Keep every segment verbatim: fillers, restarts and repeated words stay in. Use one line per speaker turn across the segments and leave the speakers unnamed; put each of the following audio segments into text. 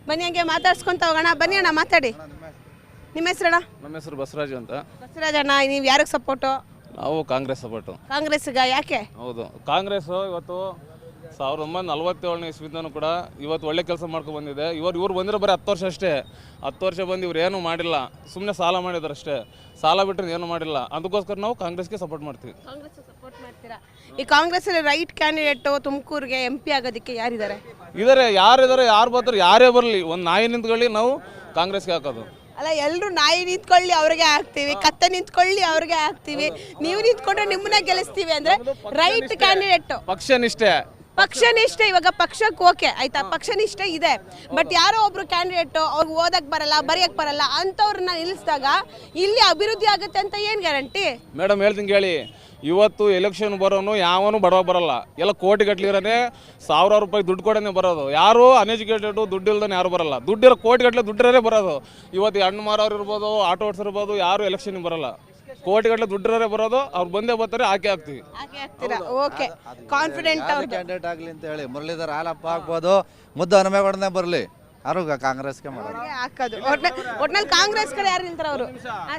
ಬನ್ನಿ ಹಂಗೆ ಮಾತಾಡ್ಸ್ಕೊಂತ ಹೋಗೋಣ. ಬನ್ನಿ ಅಣ್ಣ ಮಾತಾಡಿ. ನಿಮ್ಮ ಹೆಸರಣ್ಣ?
ನಮ್ಮ ಹೆಸರು ಬಸವರಾಜು ಅಂತ.
ಬಸವರಾಜ್ ಅಣ್ಣ, ನೀವು ಯಾರಿಗೆ ಸಪೋರ್ಟು?
ನಾವು ಕಾಂಗ್ರೆಸ್ ಸಪೋರ್ಟು.
ಕಾಂಗ್ರೆಸ್ಗ ಯಾಕೆ?
ಹೌದು, ಕಾಂಗ್ರೆಸ್ ಇವತ್ತು ಸಾವಿರದ ಒಂಬೈನೂರ ನಲ್ವತ್ತೇಳನೇ ಇಸ್ವಿಂದನೂ ಕೂಡ ಇವತ್ತು ಒಳ್ಳೆ ಕೆಲಸ ಮಾಡ್ಕೊಂಡು ಬಂದಿದೆ. ಇವರು ಇವ್ರು ಬಂದಿರೋ ಬರೀ ಹತ್ತು ವರ್ಷ ಅಷ್ಟೇ. ಹತ್ತು ವರ್ಷ ಬಂದು ಇವ್ರು ಏನೂ ಮಾಡಿಲ್ಲ, ಸುಮ್ಮನೆ ಸಾಲ ಮಾಡಿದಾರೆ ಅಷ್ಟೇ. ಸಾಲ ಬಿಟ್ಟರೆ ಏನೂ ಮಾಡಿಲ್ಲ. ಅದಕ್ಕೋಸ್ಕರ ನಾವು ಕಾಂಗ್ರೆಸ್ಗೆ ಸಪೋರ್ಟ್ ಮಾಡ್ತೀವಿ.
ಕಾಂಗ್ರೆಸ್ ಸಪೋರ್ಟ್ ಮಾಡ್ತೀರಾ? ಈ ಕಾಂಗ್ರೆಸ್ಸಲ್ಲಿ ರೈಟ್ ಕ್ಯಾಂಡಿಡೇಟು ತುಮಕೂರಿಗೆ ಎಂ ಪಿ ಆಗೋದಕ್ಕೆ ಯಾರಿದ್ದಾರೆ?
ಇದಾರೆ, ಯಾರಿದ್ದಾರೆ, ಯಾರು ಬರ್ತಾರೆ, ಯಾರೇ ಬರಲಿ, ಒಂದು ನಾಯಿ ನಿಂತ್ಕೊಳ್ಳಿ ನಾವು ಕಾಂಗ್ರೆಸ್ಗೆ ಹಾಕೋದು.
ಅಲ್ಲ, ಎಲ್ಲರೂ ನಾಯಿ ನಿಂತ್ಕೊಳ್ಳಿ ಅವ್ರಿಗೆ ಹಾಕ್ತೀವಿ, ಕತ್ತೆ ನಿಂತ್ಕೊಳ್ಳಿ ಅವ್ರಿಗೆ ಹಾಕ್ತೀವಿ, ನೀವು ನಿಂತ್ಕೊಂಡ್ರೆ ನಿಮ್ಮನ್ನ ಗೆಲ್ಲಿಸ್ತೀವಿ ಅಂದ್ರೆ ರೈಟ್ ಕ್ಯಾಂಡಿಡೇಟ್.
ಪಕ್ಷ ನಿಷ್ಠೆ
ಪಕ್ಷ ನಿಷ್ಠೆ ಇವಾಗ ಪಕ್ಷಕ್ಕೆ ಓಕೆ ಆಯ್ತಾ, ಪಕ್ಷ ನಿಷ್ಠೆ ಇದೆ. ಬಟ್ ಯಾರೋ ಒಬ್ರು ಕ್ಯಾಂಡಿಡೇಟ್ ಅವ್ರಿಗೆ ಓದಕ್ ಬರಲ್ಲ, ಬರೆಯಕ್ ಬರಲ್ಲ ಅಂತವ್ರನ್ನ ನಿಲ್ಲಿಸಿದಾಗ ಇಲ್ಲಿ ಅಭಿವೃದ್ಧಿ ಆಗುತ್ತೆ ಅಂತ ಏನ್ ಗ್ಯಾರಂಟಿ? ಮೇಡಮ್
ಹೇಳ್ತೀನಿ ಕೇಳಿ, ಇವತ್ತು ಎಲೆಕ್ಷನ್ ಬರೋನು ಯಾವನು ಬಡವ ಬರಲ್ಲ. ಎಲ್ಲ ಕೋಟಿ ಗಟ್ಲಿರೋನೆ ಸಾವಿರಾರು ರೂಪಾಯಿ ದುಡ್ಡು ಕೊಡೋನೆ ಬರೋದು. ಯಾರು ಅನ್ಎಜುಕೇಟೆಡು ದುಡ್ಡು ಇಲ್ದಾನೆ ಯಾರು ಬರಲ್ಲ. ದುಡ್ಡಿರೋ ಕೋಟಿ ಗಟ್ಟಲೆ ದುಡ್ಡಿರೋರೇ ಬರೋದು. ಇವತ್ತು ಹಣ್ಣು ಮಾರೋರು ಇರ್ಬೋದು, ಆಟೋ ಓಡಿಸಿರ್ಬೋದು, ಯಾರು ಎಲೆಕ್ಷನ್ಗೆ ಬರಲ್ಲ. ಕೋಟಿ ಗಟ್ಟಲೆ ದುಡ್ಡಿರೋರೇ ಬರೋದು. ಅವ್ರು ಬಂದೇ ಬರ್ತಾರೆ, ಹಾಕಿ ಹಾಕ್ತೀವಿ.
ಓಕೆ, ಕಾನ್ಫಿಡೆಂಟ್
ಕ್ಯಾಂಡಿಡೇಟ್ ಆಗಲಿ ಅಂತ ಹೇಳಿ ಮುರಳೀಧರ್ ಹಾಲಪ್ಪ ಆಗ್ಬೋದು, ಮುದ್ದು ಹನುಮೇಗೌಡನೇ ಬರಲಿ, ಯಾರು ಕಾಂಗ್ರೆಸ್ಗೆ ಮಾಡೋದು
ಹಾಕೋದು. ಒಟ್ನಲ್ಲಿ ಕಾಂಗ್ರೆಸ್ ಕಡೆ ಯಾರು ನಿಲ್ತಾರೆ ಅವರು?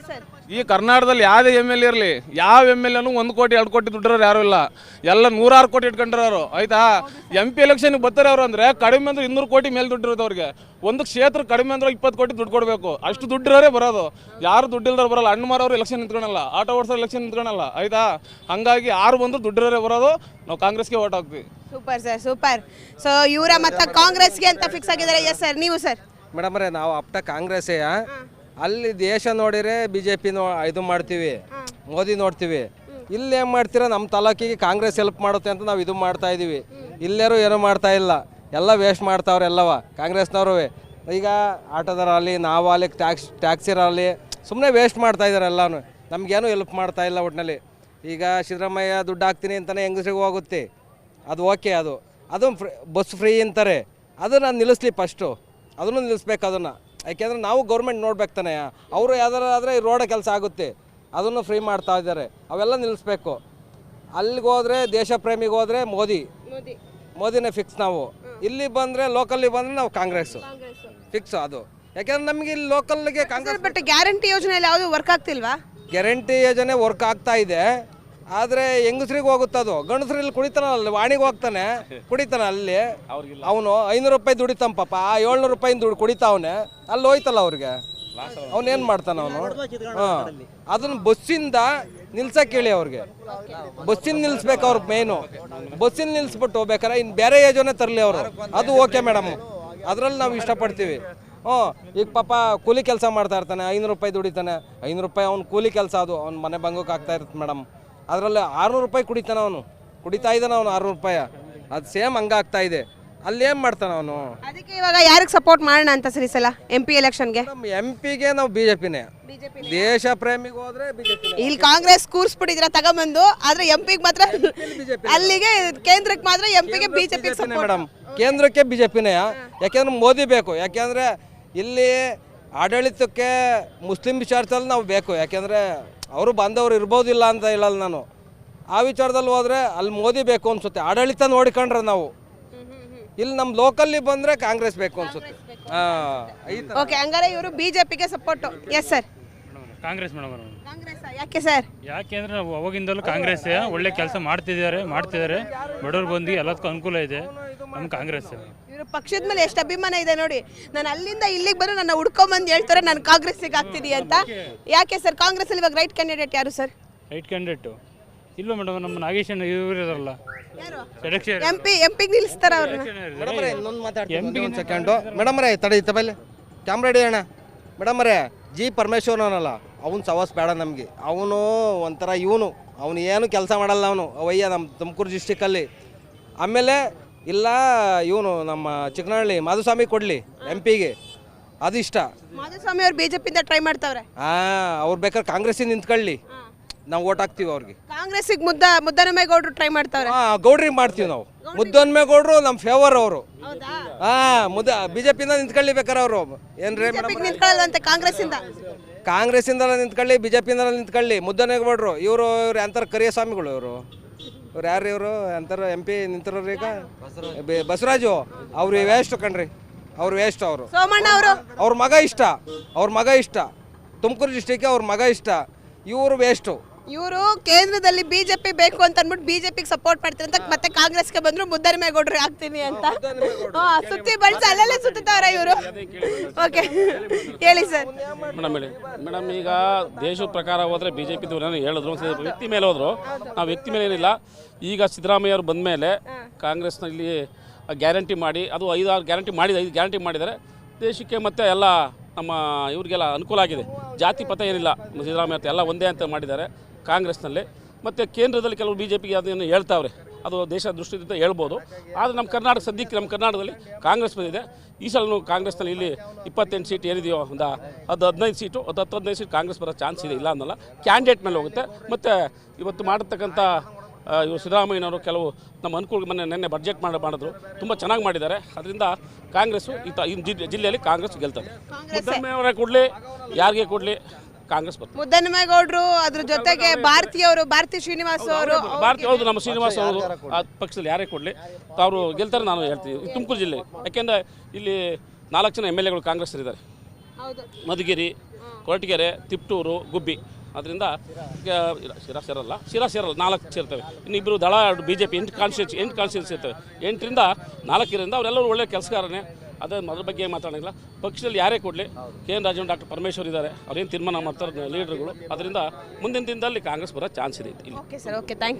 ಈ ಕರ್ನಾಟಕದಲ್ಲಿ ಯಾವುದೇ ಎಮ್ ಎಲ್ ಇರಲಿ, ಯಾವ ಎಮ್ ಎಲ್ ಎನು ಒಂದು ಕೋಟಿ ಎರಡು ಕೋಟಿ ದುಡ್ಡಿರೋರು ಯಾರು ಇಲ್ಲ. ಎಲ್ಲ ನೂರಾರು ಕೋಟಿ ಇಟ್ಕೊಂಡಿರೋರು ಆಯ್ತಾ. ಎಂ ಪಿ ಎಲೆಕ್ಷನ್ಗೆ ಬರ್ತಾರೆ ಅವರು ಅಂದರೆ ಕಡಿಮೆ ಅಂದ್ರೆ ಇನ್ನೂರು ಕೋಟಿ ಮೇಲೆ ದುಡ್ಡಿರೋದು ಅವ್ರಿಗೆ. ಒಂದು ಕ್ಷೇತ್ರ ಕಡಿಮೆ ಅಂದ್ರೆ ಇಪ್ಪತ್ತು ಕೋಟಿ ದುಡ್ಡು ಕೊಡಬೇಕು. ಅಷ್ಟು ದುಡ್ಡಿರೋರೇ ಬರೋದು. ಯಾರು ದುಡ್ಡಿಲ್ದವ್ರು ಬರಲ್ಲ. ಹಣ್ಣು ಮಾರೋರು ಎಲೆಕ್ಷನ್ ನಿಂತ್ಕೊಳಲ್ಲ, ಆಟೋ ಓಡಿಸೋರು ಎಲೆಕ್ಷನ್ ನಿಂತ್ಕೊಳಲ್ಲ ಆಯ್ತಾ. ಹಂಗಾಗಿ ಯಾರು ಬಂದ್ರು ದುಡ್ಡಿರೋರೇ ಬರೋದು. ನಾವು ಕಾಂಗ್ರೆಸ್ಗೆ ಓಟ್ ಹಾಕ್ತೀವಿ.
Super sir, super. ಸೊ ಇವರ ಮತ್ತೆ ಕಾಂಗ್ರೆಸ್ಗೆ ಅಂತ ಫಿಕ್ಸ್ ಆಗಿದ್ದಾರೆ. ಎಸ್ ಸರ್, ನೀವು ಸರ್?
ಮೇಡಮ್ ರೇ, ನಾವು ಅಪ್ಟ ಕಾಂಗ್ರೆಸ್ಸೇ. ಅಲ್ಲಿ ದೇಶ ನೋಡಿದ್ರೆ ಬಿ ಜೆ ಪಿ ನೋ ಇದು ಮಾಡ್ತೀವಿ, ಮೋದಿ ನೋಡ್ತೀವಿ. ಇಲ್ಲಿ ಏನು ಮಾಡ್ತೀರಾ, ನಮ್ಮ ತಾಲೂಕಿಗೆ ಕಾಂಗ್ರೆಸ್ ಹೆಲ್ಪ್ ಮಾಡುತ್ತೆ ಅಂತ ನಾವು ಇದು ಮಾಡ್ತಾ ಇದ್ದೀವಿ. ಇಲ್ಲೇರು ಏನೂ ಮಾಡ್ತಾ ಇಲ್ಲ, ಎಲ್ಲ ವೇಸ್ಟ್ ಮಾಡ್ತಾವ್ರೆ ಎಲ್ಲವ ಕಾಂಗ್ರೆಸ್ನವರು. ಈಗ ಆಟೋದರಲ್ಲಿ ನಾವು ಅಲ್ಲಿ ಟ್ಯಾಕ್ಸ್ ಟ್ಯಾಕ್ಸಿರಲ್ಲಿ ಸುಮ್ಮನೆ ವೇಸ್ಟ್ ಮಾಡ್ತಾ ಇದ್ದಾರೆ ಎಲ್ಲನೂ. ನಮಗೇನು ಹೆಲ್ಪ್ ಮಾಡ್ತಾ ಇಲ್ಲ ಒಟ್ಟಿನಲ್ಲಿ. ಈಗ ಸಿದ್ದರಾಮಯ್ಯ ದುಡ್ಡು ಹಾಕ್ತೀನಿ ಅಂತಲೇ ಹೆಂಗಸ್ರಿಗೆ ಹೋಗುತ್ತೆ, ಅದು ಓಕೆ. ಅದು ಅದು ಫ್ರೀ ಬಸ್ ಫ್ರೀ ಅಂತಾರೆ, ಅದನ್ನು ನಿಲ್ಲಿಸ್ಲಿ ಫಸ್ಟು. ಅದನ್ನು ನಿಲ್ಲಿಸ್ಬೇಕು ಅದನ್ನು. ಯಾಕೆಂದರೆ ನಾವು ಗೌರ್ಮೆಂಟ್ ನೋಡ್ಬೇಕು ತಾನೆ. ಅವರು ಯಾವ್ದಾರು ಆದರೆ ರೋಡ ಕೆಲಸ ಆಗುತ್ತೆ, ಅದನ್ನು ಫ್ರೀ ಮಾಡ್ತಾ ಇದ್ದಾರೆ. ಅವೆಲ್ಲ ನಿಲ್ಲಿಸ್ಬೇಕು. ಅಲ್ಲಿಗೆ ಹೋದರೆ ದೇಶ ಪ್ರೇಮಿಗೆ ಹೋದರೆ ಮೋದಿ ಮೋದಿನೇ ಫಿಕ್ಸ್. ನಾವು ಇಲ್ಲಿ ಬಂದರೆ ಲೋಕಲ್ಲಿ ಬಂದರೆ ನಾವು ಕಾಂಗ್ರೆಸ್ಸು ಫಿಕ್ಸ್. ಅದು ಯಾಕೆಂದ್ರೆ ನಮಗೆ ಇಲ್ಲಿ ಲೋಕಲ್ಗೆ ಕಾಂಗ್ರೆಸ್.
ಬಟ್ ಗ್ಯಾರಂಟಿ ಯೋಜನೆಯಲ್ಲಿ ಯಾವುದು ವರ್ಕ್ ಆಗ್ತಿಲ್ವಾ?
ಗ್ಯಾರಂಟಿ ಯೋಜನೆ ವರ್ಕ್ ಆಗ್ತಾ ಇದೆ, ಆದರೆ ಹೆಂಗಸ್ರಿಗೆ ಹೋಗುತ್ತೆ. ಅದು ಗಂಡಸ್ರಲ್ಲಿ ಕುಡಿತಾನಲ್ಲ, ವಾಣಿಗೆ ಹೋಗ್ತಾನೆ ಕುಡಿತಾನೆ. ಅಲ್ಲಿ ಅವನು ಐನೂರು ರೂಪಾಯಿ ದುಡಿತಾನ ಪಾಪ, ಆ ಏಳ್ನೂರು ರೂಪಾಯಿ ದುಡ್ಡು ಕುಡಿತಾವನೆ. ಅಲ್ಲಿ ಹೋಯ್ತಲ್ಲ ಅವ್ರಿಗೆ, ಅವನೇನು ಮಾಡ್ತಾನೆ ಅವನು? ಹಾಂ, ಅದನ್ನು ಬಸ್ಸಿಂದ ನಿಲ್ಸಕ್ಕೆ ಹೇಳಿ ಅವ್ರಿಗೆ. ಬಸ್ಸಿನ ನಿಲ್ಲಿಸ್ಬೇಕು ಅವ್ರಿಗೆ ಮೇಯ್ನು. ಬಸ್ಸಿನ ನಿಲ್ಲಿಸ್ಬಿಟ್ಟು ಬೇಕಾರೆ ಇನ್ನು ಬೇರೆ ಯೋಜನೆ ತರಲಿ ಅವರು, ಅದು ಓಕೆ ಮೇಡಮ್. ಅದರಲ್ಲಿ ನಾವು ಇಷ್ಟಪಡ್ತೀವಿ. ಹ್ಞೂ, ಈಗ ಪಾಪ ಕೂಲಿ ಕೆಲಸ ಮಾಡ್ತಾ ಇರ್ತಾನೆ, ಐನೂರು ರೂಪಾಯಿ ದುಡಿತಾನೆ. ಐನೂರು ರೂಪಾಯಿ ಅವ್ನು ಕೂಲಿ ಕೆಲಸ, ಅದು ಅವ್ನ ಮನೆ ಬಂಗೋಕೆ ಆಗ್ತಾ ಇರುತ್ತೆ ಮೇಡಮ್. ಅದರಲ್ಲಿ ಆರುನೂರು ರೂಪಾಯಿ ಕುಡಿತಾನೆ ಅವನು, ಕುಡಿತಾ ಇದ್ದಾನೆ ಅವನು ಆರುನೂರು ರೂಪಾಯಿ. ಅದು ಸೇಮ್ ಹಂಗಾಗ್ತಾ ಇದೆ. ಅಲ್ಲಿ ಏನು ಮಾಡ್ತಾನೆ ಅವನು?
ಅದಕ್ಕೆ ಇವಾಗ ಯಾರಿಗೆ ಸಪೋರ್ಟ್ ಮಾಡೋಣ ಅಂತ ಸರಿ ಸಲ ಎಂ ಪಿ ಎಲೆಕ್ಷನ್ಗೆ?
ನಮ್ಮ ಎಂ ಪಿಗೆ ನಾವು ಬಿ ಜೆ ಪಿನೇ. ದೇಶ ಪ್ರೇಮಿಗೆ ಹೋದ್ರೆ ಬಿಜೆಪಿ.
ಇಲ್ಲಿ ಕಾಂಗ್ರೆಸ್ ಕೂರ್ಸ್ಬಿಟ್ಟಿದ್ರ ತಗೊಂಬಂದು, ಆದ್ರೆ ಎಂ ಪಿಗೆ ಮಾತ್ರ ಅಲ್ಲಿಗೆ ಕೇಂದ್ರಕ್ಕೆ ಮಾತ್ರ ಎಂ ಪಿಗೆ ಬಿಜೆಪಿ
ಮೇಡಮ್. ಕೇಂದ್ರಕ್ಕೆ ಬಿಜೆಪಿನೇ. ಯಾಕೆಂದ್ರೆ ಮೋದಿ ಬೇಕು. ಯಾಕೆಂದ್ರೆ ಇಲ್ಲಿ ಆಡಳಿತಕ್ಕೆ ಮುಸ್ಲಿಂ ವಿಚಾರದಲ್ಲಿ ನಾವು ಬೇಕು. ಯಾಕೆಂದರೆ ಅವರು ಬಂದವರು ಇರ್ಬೋದಿಲ್ಲ ಅಂತ ಹೇಳಲ್ಲ ನಾನು. ಆ ವಿಚಾರದಲ್ಲಿ ಹೋದರೆ ಅಲ್ಲಿ ಮೋದಿ ಬೇಕು ಅನ್ಸುತ್ತೆ. ಆಡಳಿತ ನೋಡಿಕೊಂಡ್ರೆ ನಾವು ಇಲ್ಲಿ ನಮ್ಮ ಲೋಕಲ್ಲಿ ಬಂದರೆ ಕಾಂಗ್ರೆಸ್ ಬೇಕು ಅನ್ಸುತ್ತೆ. ಹಾಂ,
ಓಕೆ. ಹಂಗಾರೆ ಇವರು ಬಿಜೆಪಿಗೆ support. Yes sir?
Congress madam.
Congress ಯಾಕೆ ಸರ್?
ಯಾಕೆ ಅಂದರೆ ನಾವು ಅವಾಗಿಂದಲೂ ಕಾಂಗ್ರೆಸ್ ಒಳ್ಳೆ ಕೆಲಸ ಮಾಡ್ತಿದ್ದಾರೆ ಮಾಡ್ತಿದ್ದಾರೆ ಬಡವ್ರು ಬಂದು ಎಲ್ಲದಕ್ಕೂ ಅನುಕೂಲ ಇದೆ ನಮ್ಮ ಕಾಂಗ್ರೆಸ್.
ಇವರು ಪಕ್ಷದ ಮೇಲೆ ಎಷ್ಟು ಅಭಿಮಾನ ಇದೆ ನೋಡಿ. ನಾನು ಅಲ್ಲಿಂದ ಇಲ್ಲಿಗೆ ಬಂದು ನನ್ನ ಹುಡ್ಕೊಂಬಂದು ಹೇಳ್ತಾರೆ ನಾನು ಕಾಂಗ್ರೆಸ್ಸಿಗೆ ಆಗ್ತಿದ್ದೀನಿ ಅಂತ. ಯಾಕೆ ಸರ್ ಕಾಂಗ್ರೆಸ್ ಅಲ್ಲಿ ಇವಾಗ ರೈಟ್ ಕ್ಯಾಂಡಿಡೇಟ್ ಯಾರು ಸರ್?
ರೈಟ್ ಕ್ಯಾಂಡಿಡೇಟು ಇಲ್ವ ಮೇಡಮ್? ನಮ್ಮ ನಾಗೇಶ್ ಇವರು ಇದಾರಲ್ಲ,
ಎಂ ಪಿ ಎಂ ಪಿಗೆ ನಿಲ್ಲಿಸ್ತಾರ ಅವ್ರನ್ನ.
ಒಂದು ಸೆಕೆಂಡು ಮೇಡಮ್ ರೇ, ತಡಿ ತಬಲ್ಲಿ ಕ್ಯಾಮ್ರಾ ಹಿಡಿ ಅಣ್ಣ. ಮೇಡಮ್ ರೇ, ಜಿ ಪರಮೇಶ್ವರನಲ್ಲ, ಅವ್ನು ಸವಾಸ್ ಬೇಡ ನಮಗೆ. ಅವನು ಒಂಥರ ಇವನು ಅವನು ಏನು ಕೆಲಸ ಮಾಡಲ್ಲ. ಅವನು ಅವಯ್ಯ ನಮ್ಮ ತುಮಕೂರು ಡಿಸ್ಟಿಕಲ್ಲಿ. ಆಮೇಲೆ ಇಲ್ಲ ಇವನು ನಮ್ಮ ಚಿಕ್ಕನಹಳ್ಳಿ ಮಾಧುಸ್ವಾಮಿ ಕೊಡಲಿ ಎಂ ಪಿಗೆ, ಅದು ಇಷ್ಟ.
ಮಾಧುಸ್ವಾಮಿ ಅವ್ರು ಬಿಜೆಪಿಯಿಂದ ಟ್ರೈ ಮಾಡ್ತಾವ್ರೆ.
ಹಾಂ, ಅವ್ರು ಬೇಕಾದ್ರೆ ಕಾಂಗ್ರೆಸ್ಸಿಂದ ನಿಂತ್ಕೊಳ್ಳಿ, ನಾವು ಓಟ್ ಹಾಕ್ತೀವಿ ಅವ್ರಿಗೆ.
ಕಾಂಗ್ರೆಸ್ಸಿಗೆ ಮುದ್ದ ಮುದ್ದನಮೇಗೌಡರು ಟ್ರೈ ಮಾಡ್ತಾವ್ರೆ.
ಹಾಂ, ಗೌಡ್ರಿಗೆ ಮಾಡ್ತೀವಿ ನಾವು. ಮುದ್ದನಮೇಗೌಡರು ನಮ್ಮ ಫೇವರ್ ಅವರು. ಹಾಂ, ಮುದ್ದ ಬಿಜೆಪಿಯಿಂದ ನಿಂತ್ಕೊಳ್ಳಿ ಬೇಕಾರೆ ಅವರು. ಏನ್ರಿ
ನಿಂತ್ಕೊಳ್ಳಲ್ಲ ಅಂತ ಕಾಂಗ್ರೆಸ್ಸಿಂದ?
ಕಾಂಗ್ರೆಸ್ಸಿಂದ ನಿಂತ್ಕೊಳ್ಳಿ, ಬಿಜೆಪಿಯಿಂದ ನಿಂತ್ಕೊಳ್ಳಿ. ಮುದ್ದನಮೇಗೌಡರು ಇವರು ಇವ್ರು ಅಂತಾರೆ ಕರಿಯ ಸ್ವಾಮಿಗಳು. ಇವರು ಇವ್ರು ಯಾರು? ಇವರು ಅಂತಾರೆ ಎಂ ಪಿ ನಿಂತಿರೋರು ಈಗ ಬಸವರಾಜು. ಅವ್ರು ವೇಸ್ಟ್ ಕಣ್ರಿ. ಅವ್ರು ವೇಸ್ಟ್ ಅವರು.
ಸೋಮಣ್ಣ ಅವರು
ಅವ್ರ ಮಗ ಇಷ್ಟ, ಅವ್ರ ಮಗ ಇಷ್ಟ, ತುಮಕೂರು ಡಿಸ್ಟಿಕ್ಗೆ ಅವ್ರ ಮಗ ಇಷ್ಟ, ಇವರು ವೇಸ್ಟು.
ಇವರು ಕೇಂದ್ರದಲ್ಲಿ ಬಿಜೆಪಿ ಬೇಕು ಅಂತ ಅಂದ್ಬಿಟ್ಟು ಬಿಜೆಪಿಗೆ ಸಪೋರ್ಟ್ ಮಾಡ್ತಾರೆ ಅಂತ ಮತ್ತೆ ಕಾಂಗ್ರೆಸ್ಗೆ ಬಂದ್ರು ಮುದ್ದನಮೇಗೌಡರು ಆಗ್ತೀನಿ ಅಂತ ಹಾ ಸುತ್ತಿ ಬಳಸಿ ಅಲ್ಲೆಲ್ಲ ಸುತ್ತಾರ ಇವರು. ಓಕೆ ಹೇಳಿ ಸರ್.
ಮೇಡಮ್ ಹೇಳಿ ಮೇಡಮ್, ಈಗ ದೇಶದ ಪ್ರಕಾರ ಹೋದರೆ ಬಿ ಜೆ ಪಿದು ಹೇಳಿದ್ರು ವ್ಯಕ್ತಿ ಮೇಲೆ ಹೋದ್ರು. ನಾವು ವ್ಯಕ್ತಿ ಮೇಲೆ ಏನಿಲ್ಲ. ಈಗ ಸಿದ್ದರಾಮಯ್ಯ ಅವರು ಬಂದ ಮೇಲೆ ಕಾಂಗ್ರೆಸ್ನಲ್ಲಿ ಗ್ಯಾರಂಟಿ ಮಾಡಿ, ಅದು ಐದಾರು ಗ್ಯಾರಂಟಿ ಮಾಡಿದ ಐದು ಗ್ಯಾರಂಟಿ ಮಾಡಿದ್ದಾರೆ ದೇಶಕ್ಕೆ, ಮತ್ತು ಎಲ್ಲ ನಮ್ಮ ಇವ್ರಿಗೆಲ್ಲ ಅನುಕೂಲ ಆಗಿದೆ. ಜಾತಿ ಪಥ ಏನಿಲ್ಲ, ಸಿದ್ದರಾಮಯ್ಯ ಎಲ್ಲ ಒಂದೇ ಅಂತ ಮಾಡಿದ್ದಾರೆ ಕಾಂಗ್ರೆಸ್ನಲ್ಲಿ. ಮತ್ತು ಕೇಂದ್ರದಲ್ಲಿ ಕೆಲವು ಬಿ ಜೆ ಪಿಗೆ ಅದನ್ನು ಹೇಳ್ತಾವ್ರೆ, ಅದು ದೇಶ ದೃಷ್ಟಿಯಿಂದ ಹೇಳ್ಬೋದು. ಆದರೆ ನಮ್ಮ ಕರ್ನಾಟಕ ಸದ್ಯಕ್ಕೆ ನಮ್ಮ ಕರ್ನಾಟಕದಲ್ಲಿ ಕಾಂಗ್ರೆಸ್ ಬಂದಿದೆ. ಈ ಸಲ ಕಾಂಗ್ರೆಸ್ನಲ್ಲಿ ಇಲ್ಲಿ ಇಪ್ಪತ್ತೆಂಟು ಸೀಟ್ ಏನಿದೆಯೋ ಒಂದು ಅದು ಹದಿನೈದು ಸೀಟು ಅದು ಹತ್ತು ಹದಿನೈದು ಸೀಟ್ ಕಾಂಗ್ರೆಸ್ ಬರೋ ಚಾನ್ಸ್ ಇದೆ, ಇಲ್ಲ ಅನ್ನಲ್ಲ. ಕ್ಯಾಂಡಿಡೇಟ್ ಮೇಲೆ ಹೋಗುತ್ತೆ. ಮತ್ತು ಇವತ್ತು ಮಾಡತಕ್ಕಂಥ ಇವರು ಸಿದ್ದರಾಮಯ್ಯನವರು ಕೆಲವು ನಮ್ಮ ಅನುಕೂಲ ಮೊನ್ನೆ ನಿನ್ನೆ ಬಡ್ಜೆಟ್ ಮಾಡಿ ಮಾಡಿದ್ರು, ತುಂಬ ಚೆನ್ನಾಗಿ ಮಾಡಿದ್ದಾರೆ. ಅದರಿಂದ ಕಾಂಗ್ರೆಸ್ಸು ಈ ತ ಈ ಜಿಲ್ಲೆಯಲ್ಲಿ ಕಾಂಗ್ರೆಸ್ ಗೆಲ್ತದೆ. ಮುದ್ದಮ್ಮೆಯವರೇ ಕೊಡಲಿ, ಯಾರಿಗೆ ಕೊಡಲಿ, ಕಾಂಗ್ರೆಸ್ ಬರ್ತದೆ.
ಮುದ್ದನಮೇಗೌಡರು ಅದ್ರ ಜೊತೆಗೆ ಭಾರತೀಯವರು, ಭಾರತಿ ಶ್ರೀನಿವಾಸ್ ಅವರು,
ಭಾರತಿ ಹೌದು, ನಮ್ಮ ಶ್ರೀನಿವಾಸ್ ಅವರು ಆ ಪಕ್ಷದಲ್ಲಿ ಯಾರೇ ಕೊಡಲಿ ಅವರು ಗೆಲ್ತಾರೆ ನಾನು ಹೇಳ್ತೀನಿ. ತುಮಕೂರು ಜಿಲ್ಲೆ ಯಾಕೆಂದರೆ ಇಲ್ಲಿ ನಾಲ್ಕು ಜನ ಎಮ್ ಎಲ್ ಎಗಳು ಕಾಂಗ್ರೆಸ್ ಇದ್ದಾರೆ. ಮಧುಗಿರಿ, ಕೊರಟಗೆರೆ, ತಿಪ್ಟೂರು, ಗುಬ್ಬಿ. ಅದರಿಂದ ಶಿರಾ ಸೇರಲ್ಲ ಶಿರಾ ಸೇರಲ್ಲ ನಾಲ್ಕು ಸೇರ್ತವೆ. ಇನ್ನಿಬ್ಬರು ದಳ ಬಿ ಜೆ ಪಿ ಎಂಟು ಕಾನ್ಸ್ಟಿಟ್ಯೂನ್ಸಿ ಎಂಟು ಕಾನ್ಸ್ಟಿಟ್ಯೂನ್ಸಿ ಇರ್ತವೆ. ಎಂಟರಿಂದ ನಾಲ್ಕರಿಂದ ಅವರೆಲ್ಲರೂ ಒಳ್ಳೆ ಕೆಲಸಗಾರನೇ. ಅದೇ ಅದ್ರ ಬಗ್ಗೆ ಮಾತಾಡೋಂಗಿಲ್ಲ. ಪಕ್ಷದಲ್ಲಿ ಯಾರೇ ಕೊಡಲಿ, K N Rajan, doctor Parameshwar ಇದ್ದಾರೆ, ಅವ್ರೇನು ತೀರ್ಮಾನ ಮಾಡ್ತಾರೆ ಲೀಡರ್ಗಳು. ಅದರಿಂದ ಮುಂದಿನ ದಿನದಲ್ಲಿ ಕಾಂಗ್ರೆಸ್ ಬರೋ ಚಾನ್ಸ್ ಇದೆ ಇಲ್ಲಿ.
Okay sir, okay, thank you.